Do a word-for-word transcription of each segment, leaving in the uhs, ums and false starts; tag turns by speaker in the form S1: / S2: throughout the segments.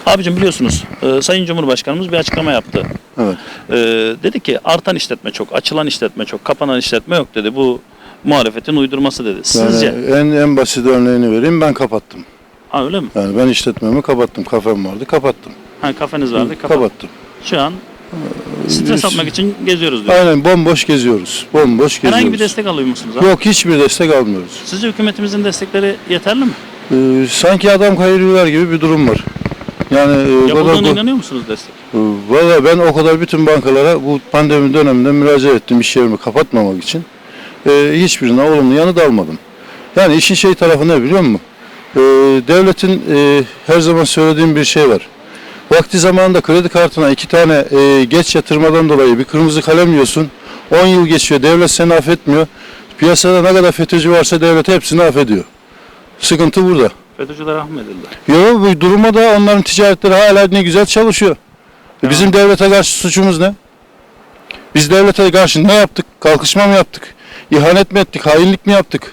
S1: Abicim biliyorsunuz e, Sayın Cumhurbaşkanımız bir açıklama yaptı.
S2: Evet.
S1: E, dedi ki artan işletme çok, açılan işletme çok, kapanan işletme yok dedi. Bu muhalefetin uydurması dedi. Sizce?
S2: Yani en en basit örneğini vereyim, ben kapattım.
S1: Ha öyle mi?
S2: Yani ben işletmemi kapattım, kafem vardı, kapattım.
S1: Ha kafeniz vardı, kapat.
S2: Kapattım.
S1: Şu an stres
S2: Biz-
S1: atmak için geziyoruz diyor.
S2: Aynen, bomboş geziyoruz. Bomboş geziyoruz.
S1: Herhangi bir destek alıyor musunuz abi?
S2: Yok, hiçbir destek almıyoruz.
S1: Sizce hükümetimizin destekleri yeterli mi?
S2: Ee, sanki adam kayırıyorlar gibi bir durum var. Yani e,
S1: Yapıldığına
S2: kadar-
S1: inanıyor musunuz destek?
S2: Ee, Valla ben o kadar bütün bankalara bu pandemi döneminde müracaat ettim iş yerimi kapatmamak için. Ee, hiçbirine olumlu yanıt almadım. Yani işin şey tarafı ne biliyor musun? Ee, devletin e, her zaman söylediğim bir şey var. Vakti zamanında kredi kartına iki tane e, geç yatırmadan dolayı bir kırmızı kalem yiyorsun. on yıl geçiyor, devlet seni affetmiyor. Piyasada ne kadar FETÖ'cü varsa devlet hepsini affediyor. Sıkıntı burada.
S1: FETÖ'cüler rahmedildi.
S2: Yok, bu duruma da onların ticaretleri hala ne güzel çalışıyor. E, Bizim devlete karşı suçumuz ne? Biz devlete karşı ne yaptık? Kalkışma mı yaptık? İhanet mi ettik? Hainlik mi yaptık?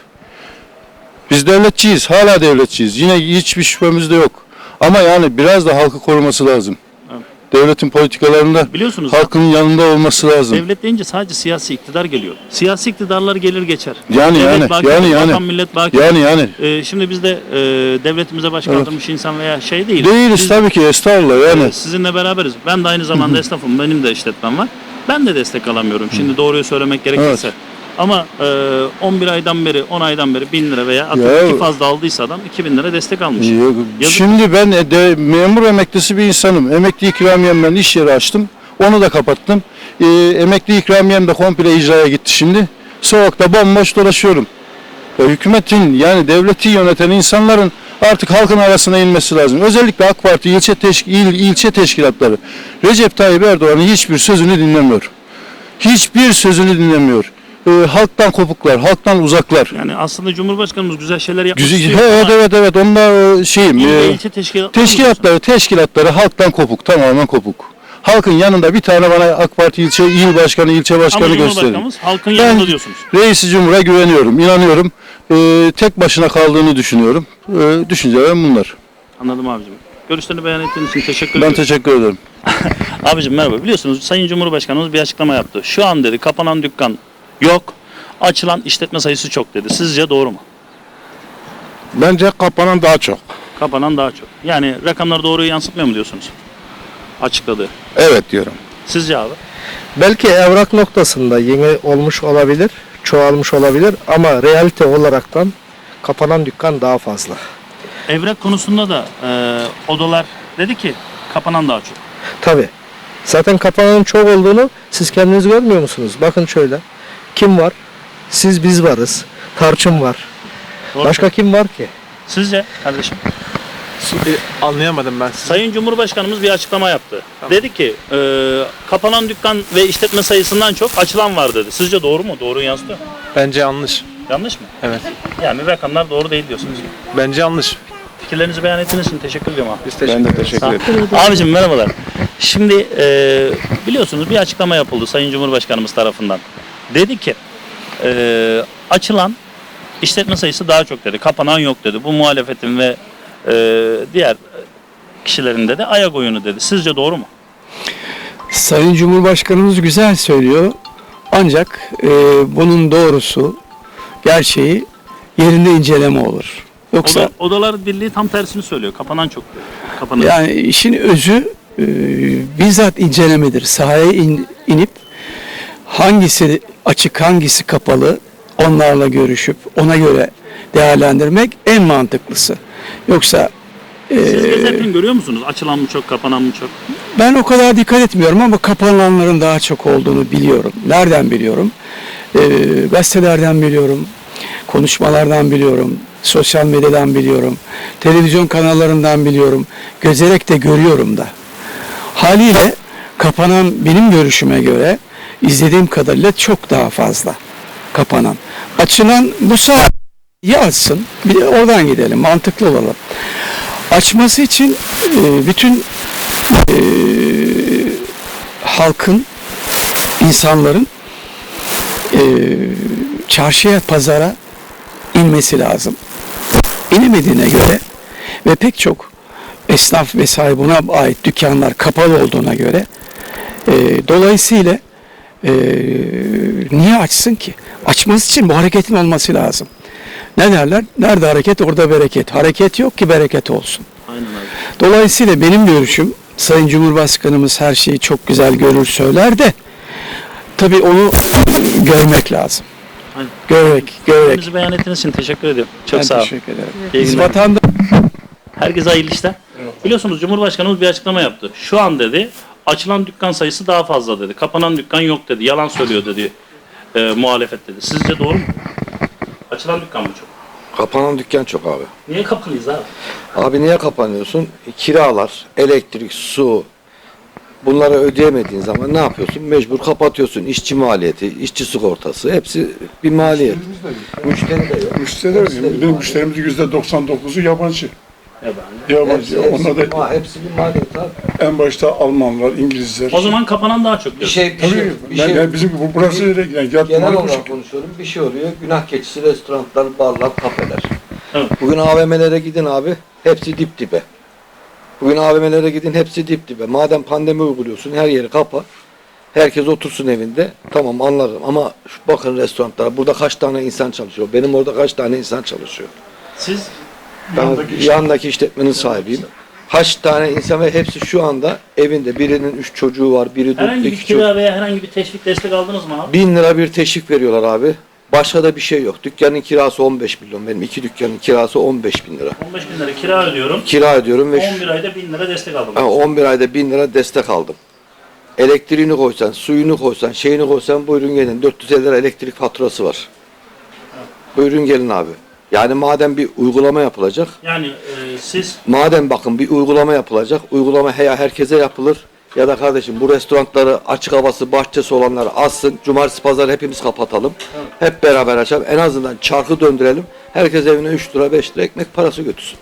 S2: Biz devletçiyiz. Hala devletçiyiz. Yine hiçbir şüphemiz de yok. Ama yani biraz da halkı koruması lazım.
S1: Evet.
S2: Devletin politikalarında
S1: Biliyorsunuz
S2: halkın yanında olması lazım.
S1: devlet deyince sadece siyasi iktidar geliyor. Siyasi iktidarlar gelir geçer.
S2: Yani
S1: Devlet
S2: yani
S1: baki,
S2: yani yani
S1: vatan millet baki.
S2: yani yani
S1: Ee, şimdi biz de e, devletimize baş kaldırmış insan veya şey değil.
S2: değiliz
S1: Biz,
S2: tabii ki, estağfurullah yani.
S1: e, sizinle beraberiz. Ben de aynı zamanda esnafım. Benim de işletmem var. Ben de destek alamıyorum. Şimdi doğruyu söylemek gerekirse.
S2: Evet.
S1: Ama e, on bir aydan beri, on aydan beri bin lira veya
S2: Ya-
S1: atıp iki fazla aldıysa adam iki bin lira destek almış.
S2: Yok,
S1: Yazık.
S2: Şimdi ben de memur emeklisi bir insanım. Emekli ikramiyemden iş yeri açtım. Onu da kapattım. Ee, emekli ikramiyem de komple icraya gitti şimdi. Sokakta bomboş dolaşıyorum. Ya hükümetin, yani devleti yöneten insanların artık halkın arasına inmesi lazım. Özellikle AK Parti ilçe, teşk il, ilçe teşkilatları Recep Tayyip Erdoğan'ın hiçbir sözünü dinlemiyor. Hiçbir sözünü dinlemiyor. Ee, halktan kopuklar, halktan uzaklar.
S1: Yani aslında Cumhurbaşkanımız güzel şeyler yapmak
S2: Güzel,
S1: istiyor.
S2: evet
S1: ama
S2: evet evet onlar e, şeyim.
S1: il ve
S2: e,
S1: ilçe teşkilatları
S2: Teşkilatları, teşkilatları halktan kopuk, tamamen kopuk. Halkın yanında bir tane bana AK Parti ilçe, il başkanı, ilçe başkanı
S1: ama
S2: gösterin.
S1: Cumhurbaşkanımız halkın
S2: Ben
S1: yanında diyorsunuz.
S2: Reis-i Cumhur'a güveniyorum, inanıyorum. Ee, tek başına kaldığını düşünüyorum. Ee, düşüncelerim bunlar.
S1: Anladım abicim. Görüşlerini beyan ettiğiniz için teşekkür
S2: Ben
S1: ederim.
S2: teşekkür ederim.
S1: Abicim merhaba. Biliyorsunuz Sayın Cumhurbaşkanımız bir açıklama yaptı. Şu an dedi kapanan dükkan yok. Açılan işletme sayısı çok dedi. Sizce doğru mu?
S3: Bence kapanan daha çok.
S1: Kapanan daha çok. Yani rakamlar doğruyu yansıtmıyor mu diyorsunuz? Açıkladı.
S3: Evet diyorum.
S1: Sizce abi?
S4: Belki evrak noktasında yeni olmuş olabilir, çoğalmış olabilir ama realite olaraktan kapanan dükkan daha fazla.
S1: Evrak konusunda da e, odalar dedi ki kapanan daha çok.
S4: Tabii. Zaten kapananın çok olduğunu siz kendiniz görmüyor musunuz? Bakın şöyle. Kim var? Siz biz varız. Tarçın var.
S1: Doğru.
S4: Başka kim var ki?
S1: Sizce kardeşim?
S5: Şimdi anlayamadım ben sizi.
S1: Sayın Cumhurbaşkanımız bir açıklama yaptı. Dedi ki e, kapanan dükkan ve işletme sayısından çok açılan var dedi. Sizce doğru mu? Doğruyu yansıtıyor mu?
S5: Bence yanlış.
S1: Yanlış mı?
S5: Evet.
S1: Yani rakamlar doğru değil diyorsunuz.
S5: Bence yanlış.
S1: Fikirlerinizi beyan ettiğiniz için teşekkür ediyorum abi.
S5: Biz teşekkür
S3: Ben de
S5: ederiz.
S3: teşekkür
S1: Sağ-
S3: ederim.
S1: Abicim merhabalar. Şimdi e, biliyorsunuz bir açıklama yapıldı Sayın Cumhurbaşkanımız tarafından. Dedi ki e, açılan işletme sayısı daha çok dedi. Kapanan yok dedi. Bu muhalefetin ve e, diğer kişilerin de ayak oyunu dedi. Sizce doğru mu?
S6: Sayın Cumhurbaşkanımız güzel söylüyor. Ancak e, bunun doğrusu, gerçeği yerinde inceleme olur. Yoksa
S1: Oda, Odalar Birliği tam tersini söylüyor. Kapanan çok diyor. Kapanan.
S6: yani işin özü e, bizzat incelemedir. Sahaya in- inip hangisi açık, hangisi kapalı onlarla görüşüp ona göre değerlendirmek en mantıklısı. Yoksa
S1: Siz gezerken görüyor musunuz? Açılan mı çok, kapanan mı çok?
S6: ben o kadar dikkat etmiyorum ama kapananların daha çok olduğunu biliyorum. Nereden biliyorum? Ee, gazetelerden biliyorum, konuşmalardan biliyorum, sosyal medyadan biliyorum, televizyon kanallarından biliyorum, gözerek de görüyorum da. Haliyle kapanan benim görüşüme göre izlediğim kadarıyla çok daha fazla kapanan. Açılan bu saat ya açsın, bir de oradan gidelim, mantıklı olalım. Açması için e, bütün e, halkın, insanların e, çarşıya, pazara inmesi lazım. İnemediğine göre ve pek çok e, esnaf ve sahibine ait dükkanlar kapalı olduğuna göre e, dolayısıyla e, niye açsın ki? Açması için bu hareketin olması lazım. Ne derler? Nerede hareket orada bereket. Hareket yok ki bereket olsun.
S1: Aynen abi.
S6: Dolayısıyla benim görüşüm, Sayın Cumhurbaşkanımız her şeyi çok güzel görür söyler de tabii onu görmek lazım.
S1: Aynen.
S6: Görmek, görmek.
S1: Kendinizi beyan ettiğiniz için teşekkür ediyorum. Çok
S6: Ben
S1: sağ olun.
S6: teşekkür ederim.
S1: İyi
S6: Biz
S1: günler.
S6: vatanda
S1: Herkese hayırlı işler. Biliyorsunuz Cumhurbaşkanımız bir açıklama yaptı. Şu an dedi açılan dükkan sayısı daha fazla dedi. Kapanan dükkan yok dedi. Yalan söylüyor dedi e, muhalefet dedi. Sizce doğru mu? Açılan dükkan mı çok?
S7: Kapanan dükkan çok abi.
S1: Niye kapalıyız abi?
S7: Abi niye kapanıyorsun? Kiralar, elektrik, su bunları ödeyemediğin zaman ne yapıyorsun? Mecbur kapatıyorsun. İşçi maliyeti, işçi sigortası hepsi bir maliyet. Müşteri de yok.
S8: Müşteriler, benim müşterimizin yüzde doksan dokuzu yabancı.
S1: Yabancı.
S8: Yabancı.
S7: Hepsi, hepsi,
S8: Onlar
S7: bir,
S8: da
S7: ma- hepsi bir maliyet abi.
S8: en başta Almanlar, İngilizler.
S1: O zaman kapanan daha çok
S7: Bir
S1: diyor.
S7: şey, bir
S8: Tabii,
S7: şey, bir
S8: ben,
S7: şey,
S8: yani bizim bu burası öyle yani yat
S7: genel
S8: limanı bu
S7: olarak
S8: şekilde.
S7: konuşuyorum. Bir şey oluyor. Günah keçisi restoranlar, barlar, kafeler.
S1: Evet.
S7: Bugün A V M'lere gidin abi. Hepsi dip dibe. Bugün A V M'lere gidin hepsi dip dibe. Madem pandemi uyguluyorsun her yeri kapa. Herkes otursun evinde. Tamam anlarım ama şu bakın restoranlara. Burada kaç tane insan çalışıyor? Benim orada kaç tane insan çalışıyor?
S1: Siz
S7: Ben
S8: Yandaki
S7: yandaki, işletmenin sahibiyim. Kaç tane insan ve hepsi şu anda evinde. Birinin üç çocuğu var, biri
S1: herhangi
S7: dört,
S1: bir
S7: iki çocuk.
S1: kira veya herhangi bir teşvik destek aldınız mı abi?
S7: Bin lira bir teşvik veriyorlar abi. Başka da bir şey yok. Dükkanın kirası on beş milyon. Benim iki dükkanın kirası on beş bin lira.
S1: on beş bin lira kira ödüyorum.
S7: Kira ödüyorum ve
S1: on bir ayda bin lira destek aldım.
S7: Ha, on bir ayda bin lira destek aldım. Elektriğini koysan, suyunu koysan, şeyini koysan buyurun gelin. dört yüz elli lira elektrik faturası var. Buyurun gelin abi. Yani madem bir uygulama yapılacak,
S1: Yani e, siz
S7: madem bakın bir uygulama yapılacak, uygulama ya herkese yapılır ya da kardeşim bu restoranları açık havası, bahçesi olanları açsın. Cumartesi, pazar hepimiz kapatalım. Hep beraber açalım. En azından çarkı döndürelim. Herkes evine üç lira, beş lira ekmek parası götürsün.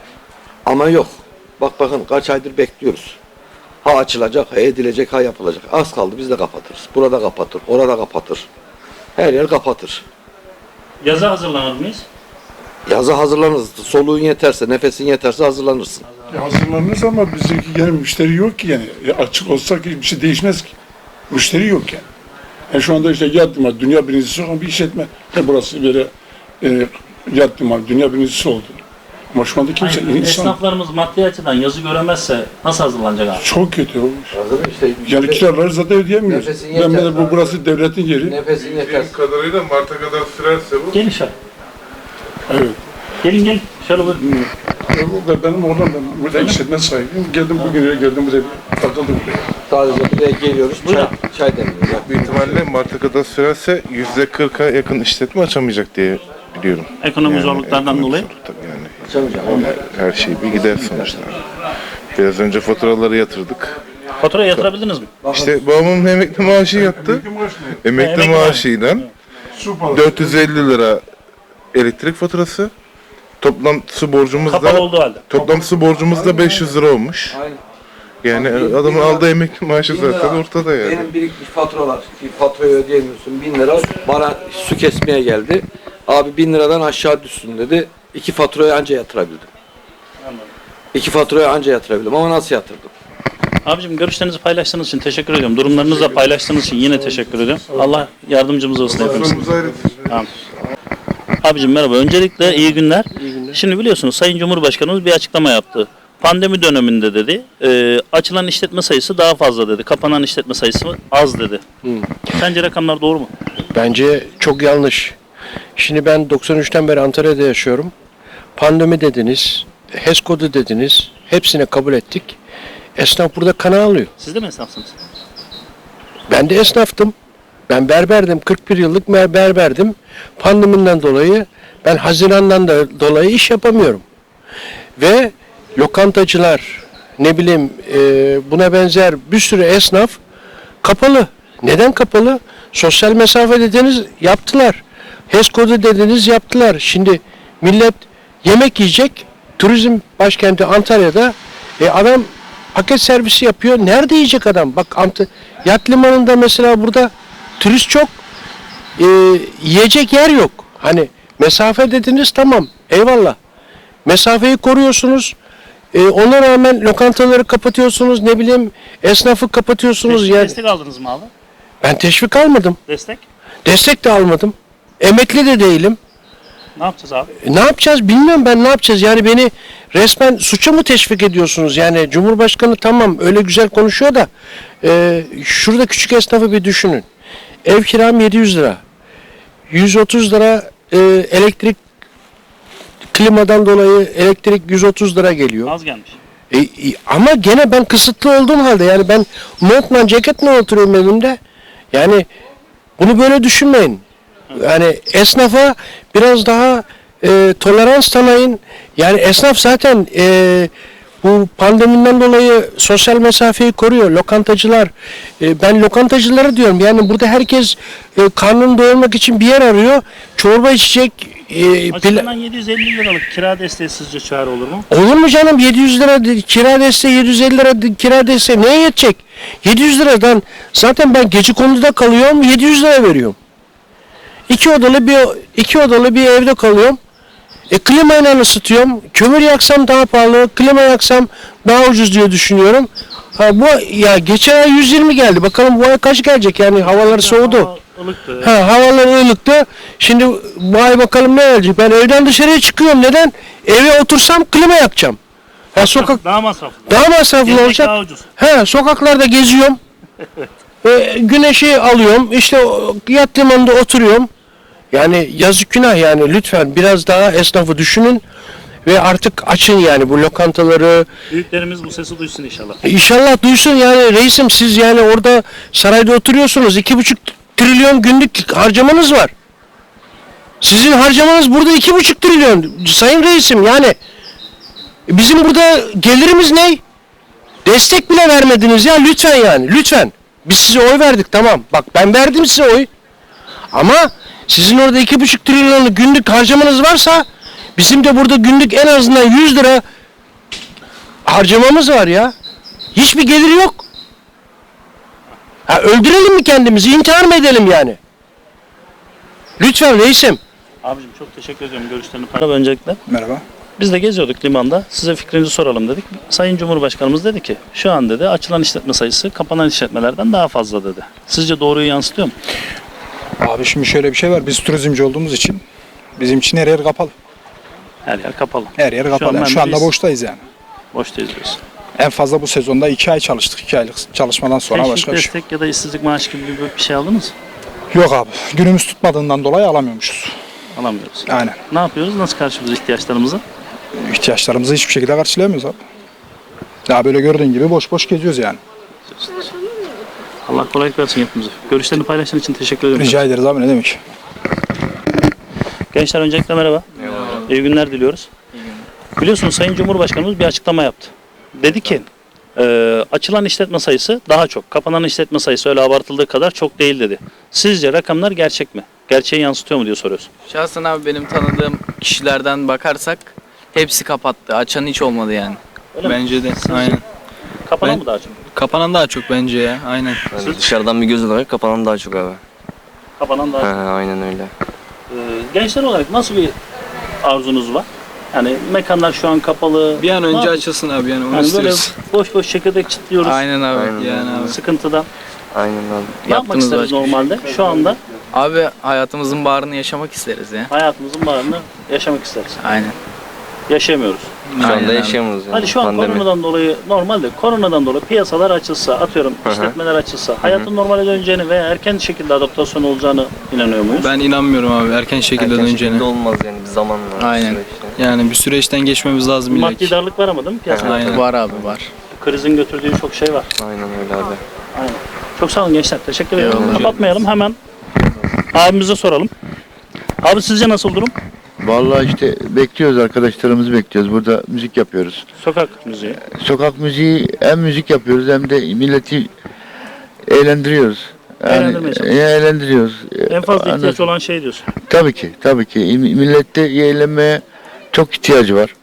S7: Ama yok. Bak bakın kaç aydır bekliyoruz. Ha açılacak, ha edilecek, ha yapılacak. Az kaldı biz de kapatırız. Burada kapatır, orada kapatır. Her yer kapatır.
S1: yaza hazırlanır mıyız?
S7: Yaza hazırlanırız. Soluğun yeterse, nefesin yeterse hazırlanırsın.
S8: Ya hazırlanırız ama bizdeki yani müşteri yok ki yani. Ya açık olsak hiçbir şey değişmez ki. Müşteri yok yani. Yani şu anda işte yat limanı, dünya birincisi olan bir işletme. E burası böyle e, yat limanı, dünya birincisi oldu. Ama şu anda kimse
S1: Aynen.
S8: insan
S1: Esnaflarımız maddi açıdan yazı göremezse nasıl hazırlanacak abi?
S8: çok kötü olmuş.
S7: Hazır işte.
S8: Yani kiraları zaten ödeyemiyoruz.
S7: Nefesin
S8: Ben
S7: yeter.
S8: de bu burası devletin yeri.
S7: Nefesin yeterse.
S3: Benim kadarıyla Mart'a kadar sürerse bu.
S1: Gelin şöyle.
S8: Evet.
S1: Gelin gelin. Şöyle buyurun.
S8: Ben- Benim oradan ben burada işletme sahibiyim. Geldim bugün geldim buraya takıldım buraya.
S7: Sadece buraya geliyoruz, çay,
S1: Buyurun.
S7: çay demliyoruz.
S3: Büyük ihtimalle Mart'a kadar sürerse yüzde kırka yakın işletme açamayacak diye biliyorum.
S1: Ekonomik zorluklardan
S3: ekonomik
S1: dolayı.
S3: zorluk tabii yani.
S7: Açamayacağım.
S3: Her şey bir gider sonuçta. Biraz önce faturaları yatırdık.
S1: Faturayı yatırabildiniz mi?
S3: İşte babamın emekli maaşı yattı. Emekli
S1: Emekli
S3: maaşıyla
S8: Su parası.
S3: dört yüz elli lira elektrik faturası. Toplam su borcumuz
S1: Kapalı
S3: da
S1: olduğu halde.
S3: toplam su borcumuz da beş yüz lira olmuş.
S7: Aynen.
S3: Yani
S7: Bak, bin-
S3: adamın
S7: bin lira-
S3: aldığı emekli maaşı
S7: bin lira
S3: zaten ortada yani.
S7: Benim birikmiş faturalar, bir faturayı ödeyemiyorsun. Bin lira bana su kesmeye geldi. Abi bin liradan aşağı düşsün dedi. İki faturayı anca yatırabildim. İki faturayı anca yatırabildim ama nasıl yatırdım?
S1: Abicim görüşlerinizi paylaştığınız için teşekkür ediyorum. Durumlarınızı da paylaştığınız için yine teşekkür ediyorum. Allah yardımcımız olsun hepimizin. Tamam. Abicim merhaba. Öncelikle iyi günler. Şimdi biliyorsunuz Sayın Cumhurbaşkanımız bir açıklama yaptı. Pandemi döneminde dedi, e, açılan işletme sayısı daha fazla dedi. Kapanan işletme sayısı az dedi. Sence rakamlar doğru mu?
S9: Bence çok yanlış. Şimdi ben doksan üçten beri Antalya'da yaşıyorum. Pandemi dediniz, H E S kodu dediniz. Hepsine kabul ettik. Esnaf burada kana alıyor.
S1: Siz de mi esnafsınız?
S9: Ben de esnaftım. Ben berberdim. kırk bir yıllık ber- berberdim. Pandemiden dolayı ben Haziran'dan da dolayı iş yapamıyorum. Ve lokantacılar, ne bileyim e, buna benzer bir sürü esnaf kapalı. Neden kapalı? Sosyal mesafe dediniz yaptılar. H E S kodu dediniz yaptılar. Şimdi millet yemek yiyecek. Turizm başkenti Antalya'da e, adam paket servisi yapıyor. Nerede yiyecek adam? Bak Ant Yat Limanı'nda mesela burada turist çok. E, yiyecek yer yok. Hani mesafe dediniz tamam. Eyvallah. Mesafeyi koruyorsunuz. E, ona rağmen lokantaları kapatıyorsunuz, ne bileyim esnafı kapatıyorsunuz.
S1: Teşvik,
S9: Yani
S1: destek aldınız mı abi?
S9: ben teşvik almadım.
S1: Destek?
S9: Destek de almadım. Emekli de değilim.
S1: Ne yapacağız abi?
S9: E, ne yapacağız bilmiyorum ben, ne yapacağız? Yani beni resmen suça mı teşvik ediyorsunuz? Yani Cumhurbaşkanı tamam öyle güzel konuşuyor da e, şurada küçük esnafı bir düşünün. Ev kiram yedi yüz lira. yüz otuz lira e, elektrik, klimadan dolayı elektrik yüz otuz lira geliyor.
S1: Az gelmiş.
S9: E, e, ama gene ben kısıtlı olduğum halde, yani ben montla ceketle oturuyorum evimde. Yani bunu böyle düşünmeyin. Yani esnafa biraz daha e, tolerans tanıyın. Yani esnaf zaten e, bu pandemiden dolayı sosyal mesafeyi koruyor. Lokantacılar, e, ben lokantacıları diyorum. Yani burada herkes e, karnını doyurmak için bir yer arıyor. Çorba içecek. E, pila-
S1: Açıklanan yedi yüz elli liralık kira desteği sizce çare olur mu?
S9: Olur mu canım? yedi yüz lira de- kira desteği, yedi yüz elli lira de- kira desteği neye yetecek? yedi yüz liradan zaten ben Gecekondu'da kalıyorum, yedi yüz lira veriyorum. İki odalı bir iki odalı bir evde kalıyorum. E klimayla ısıtıyorum. Kömür yaksam daha pahalı, klima yaksam daha ucuz diye düşünüyorum. Ha bu ya geçen ay yüz yirmi geldi. Bakalım bu ay kaç gelecek? Yani havalar soğudu.
S1: Hava ılıktı.
S9: Ha, havalar ılıktı. Şimdi bu ay bakalım ne gelecek. Ben evden dışarıya çıkıyorum. Neden? Eve otursam klima yakacağım. Ha, sokak
S1: Daha masraflı.
S9: daha masraflı
S1: Gezmek
S9: olacak.
S1: daha ucuz.
S9: He, sokaklarda geziyorum. e, güneşi alıyorum. İşte o yat limanında oturuyorum. Yani yazık günah yani, lütfen biraz daha esnafı düşünün ve artık açın yani bu lokantaları.
S1: Büyüklerimiz bu sesi duysun inşallah.
S9: İnşallah duysun yani reisim, siz yani orada sarayda oturuyorsunuz. iki buçuk trilyon günlük harcamanız var. Sizin harcamanız burada iki buçuk trilyon. Sayın reisim yani bizim burada gelirimiz ne? Destek bile vermediniz ya, lütfen yani lütfen. Biz size oy verdik, tamam. Bak ben verdim size oy. Ama sizin orada iki buçuk trilyonluk günlük harcamanız varsa bizim de burada günlük en azından yüz lira harcamamız var ya. Hiçbir geliri yok. Ha, öldürelim mi kendimizi? İntihar mı edelim yani? Lütfen reisim.
S1: Abicim çok teşekkür ediyorum görüşlerini paylaştığınız. Öncelikle
S8: Merhaba.
S1: biz de geziyorduk limanda. Size fikrinizi soralım dedik. Sayın Cumhurbaşkanımız dedi ki şu an dedi açılan işletme sayısı kapanan işletmelerden daha fazla dedi. Sizce doğruyu yansıtıyor mu?
S10: Abi şimdi şöyle bir şey var. Biz turizmci olduğumuz için bizim için her yer kapalı.
S1: Her yer kapalı.
S10: Her yer kapalı.
S1: an
S10: Yani
S1: ben
S10: Şu
S1: de
S10: anda
S1: biz-
S10: boştayız yani.
S1: Boştayız diyorsun.
S10: En fazla bu sezonda iki ay çalıştık. iki aylık çalışmadan sonra
S1: Teşvik,
S10: başka bir şey.
S1: destek ya da işsizlik maaşı gibi bir şey aldınız
S10: Yok abi. Günümüz tutmadığından dolayı alamıyormuşuz.
S1: alamıyoruz.
S10: Aynen.
S1: Ne yapıyoruz? Nasıl karşılıyoruz ihtiyaçlarımızı?
S10: İhtiyaçlarımızı hiçbir şekilde karşılayamıyoruz abi. Ya böyle gördüğün gibi boş boş geziyoruz yani.
S1: Allah kolaylık versin hepimize. Görüşlerini paylaştığın için teşekkür ederim.
S10: Rica ederiz abi, ne demek.
S1: Gençler öncelikle merhaba. İyi günler diliyoruz. Biliyorsunuz Sayın Cumhurbaşkanımız bir açıklama yaptı. Dedi ki e, açılan işletme sayısı daha çok. Kapanan işletme sayısı öyle abartıldığı kadar çok değil dedi. Sizce rakamlar gerçek mi? Gerçeği yansıtıyor mu diye soruyoruz.
S11: Şahsen abi benim tanıdığım kişilerden bakarsak hepsi kapattı. Açan hiç olmadı yani.
S1: Öyle mi?
S11: Bence de.
S1: Sizce?
S11: Aynen.
S1: Kapanan
S11: Ben-
S1: mı daha çok?
S11: Kapanan daha çok bence ya. Aynen.
S1: Siz-
S12: Dışarıdan bir göz olarak kapanan daha çok abi.
S1: Kapanan daha
S12: Ha,
S1: çok.
S12: aynen öyle.
S1: Ee, gençler olarak nasıl bir arzunuz var? Yani mekanlar şu an kapalı.
S11: Bir an
S1: Ne
S11: önce
S1: yapıyoruz?
S11: açılsın abi yani onu
S1: Yani böyle
S11: istiyoruz.
S1: boş boş çekirdek çitliyoruz.
S11: Aynen abi.
S12: Aynen
S11: yani
S12: abi.
S11: abi.
S1: Sıkıntıdan.
S12: Aynen abi.
S1: Ne yapmak
S11: Yaptığımız
S1: isteriz
S11: başka bir şey
S1: normalde? Şu anda
S11: Abi hayatımızın bağrını yaşamak isteriz ya.
S1: hayatımızın bağrını yaşamak isteriz.
S11: Aynen.
S1: Yaşayamıyoruz.
S12: Şu
S11: Aynen
S12: anda
S11: abi.
S12: yaşayamıyoruz yani.
S1: Hadi şu an
S12: Pandemi.
S1: koronadan dolayı normalde koronadan dolayı piyasalar açılsa, atıyorum
S12: Hı hı.
S1: işletmeler açılsa, hayatın normale döneceğini veya erken şekilde adaptasyon olacağını inanıyor muyuz?
S11: Ben inanmıyorum abi erken şekilde
S12: Erken
S11: döneceğine.
S12: şekilde olmaz yani, bir zaman var.
S11: Aynen.
S12: süreçte.
S11: Yani bir süreçten geçmemiz lazım illa
S1: Maddi
S11: ki.
S1: darlık var ama değil mi piyasada?
S11: Aynen. Var abi var.
S1: Krizin götürdüğü çok şey var.
S12: Aynen öyle abi.
S1: Aynen. Çok sağ olun gençler. Teşekkür ederim.
S11: Eyvallah.
S1: Kapatmayalım. Hemen abimize soralım. Abi sizce nasıl durum?
S2: Vallahi işte bekliyoruz, arkadaşlarımızı bekliyoruz. Burada müzik yapıyoruz.
S1: Sokak müziği.
S2: Sokak müziği hem müzik yapıyoruz hem de milleti eğlendiriyoruz.
S1: Eğlendirmeye çalışıyoruz.
S2: e, eğlendiriyoruz.
S1: En fazla ihtiyaç
S2: Anladın?
S1: olan şey diyorsun.
S2: Tabii ki, tabii ki. İm- Millette eğlenmeye çok ihtiyacı var.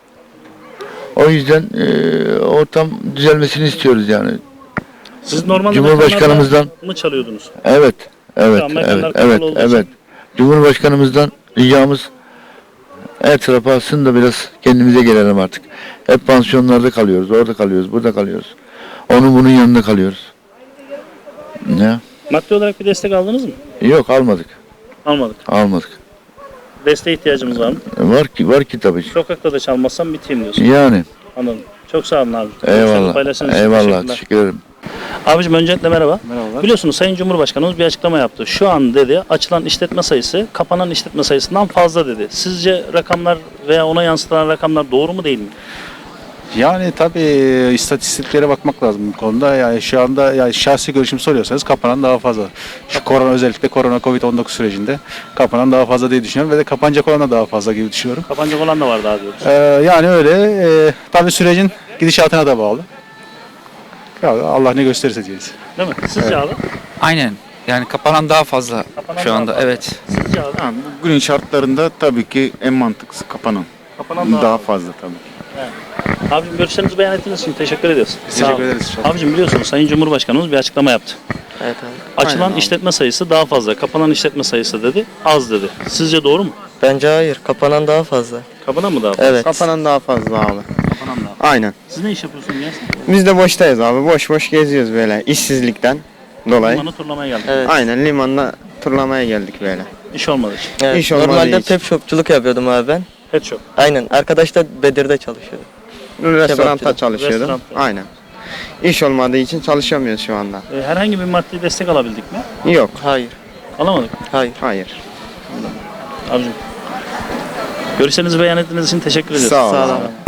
S2: O yüzden e, ortam düzelmesini istiyoruz yani.
S1: Siz normalde
S2: Cumhurbaşkanımızdan-
S1: mekanlarda mı çalıyordunuz?
S2: Evet, evet,
S1: Şu an mekanlar
S2: evet,
S1: kapalı
S2: evet,
S1: olduğu
S2: evet.
S1: için.
S2: Cumhurbaşkanımızdan ricamız
S13: Her tarafı alsın da biraz kendimize gelelim artık. Hep pansiyonlarda kalıyoruz, orada kalıyoruz, burada kalıyoruz. Onun bunun yanında kalıyoruz. Ne?
S1: Maddi olarak bir destek aldınız mı?
S13: Yok almadık,
S1: Almadık.
S13: almadık.
S1: Desteğe ihtiyacımız var mı?
S13: Var ki, var ki tabii.
S1: Sokakta da çalmazsam biteyim diyorsun.
S13: Yani.
S1: Anladım. Çok sağ olun abi.
S13: Eyvallah.
S1: Paylaştığınız için
S13: Eyvallah.
S1: teşekkürler.
S13: Teşekkür ederim.
S1: Abicim öncelikle merhaba.
S5: Merhabalar.
S1: Biliyorsunuz Sayın Cumhurbaşkanımız bir açıklama yaptı. Şu an dedi açılan işletme sayısı kapanan işletme sayısından fazla dedi. Sizce rakamlar veya ona yansıtılan rakamlar doğru mu değil mi?
S10: Yani tabii istatistiklere bakmak lazım bu konuda. Yani şu anda yani şahsi görüşüm soruyorsanız kapanan daha fazla. Şu korona özellikle korona covid on dokuz sürecinde kapanan daha fazla diye düşünüyorum ve de kapanacak olan da daha fazla gibi düşünüyorum.
S1: Kapanacak olan da var daha diyoruz.
S10: Ee, yani öyle. E, tabii sürecin gidişatına da bağlı. Ya Allah ne gösterirse diyeceğiz.
S1: Değil mi? Sizce abi?
S14: Aynen. Yani kapanan daha fazla
S1: Kapanan
S14: şu
S1: daha
S14: anda.
S1: fazla.
S14: Evet.
S1: Sizce abi?
S3: Bugünün şartlarında tabii ki en mantıklısı kapanan.
S1: Kapanan daha, fazla.
S3: fazla tabii.
S1: Abicim görüşlerinizi beyan ettiğiniz için teşekkür ediyoruz.
S10: Teşekkür ederiz.
S1: Abicim biliyorsunuz Sayın Cumhurbaşkanımız bir açıklama yaptı.
S12: Evet abi.
S1: Açılan
S12: Aynen abi.
S1: işletme sayısı daha fazla, kapanan işletme sayısı dedi, az dedi. Sizce doğru mu?
S12: Bence hayır. Kapanan daha fazla.
S1: Kapanan mı daha fazla?
S12: Evet.
S5: Kapanan daha fazla abi.
S1: Kapanan daha fazla.
S5: Aynen.
S1: Siz ne iş yapıyorsunuz Yasin?
S5: Biz de boştayız abi. Boş boş geziyoruz böyle işsizlikten dolayı.
S1: Limanı turlamaya geldik.
S12: Evet.
S5: Aynen limanla turlamaya geldik böyle.
S1: İş olmadı için.
S12: Evet.
S5: İş olmadığı
S12: Normalde
S5: için.
S12: pet shopçuluk yapıyordum abi ben.
S1: Pet shop.
S12: Aynen. Arkadaş da Bedir'de çalışıyordu.
S5: Restoranda
S12: Kebapçıda.
S5: çalışıyordum.
S1: Restoranda.
S5: Aynen. İş olmadığı için çalışamıyoruz şu anda.
S1: Ee, herhangi bir maddi destek alabildik mi?
S5: Yok.
S12: Hayır.
S1: Alamadık.
S12: Hayır.
S5: Hayır.
S1: Abicim. Görüşlerinizi beyan ettiğiniz için teşekkür ediyoruz.
S5: Sağ ol.
S12: Sağ
S5: abi.
S12: olun.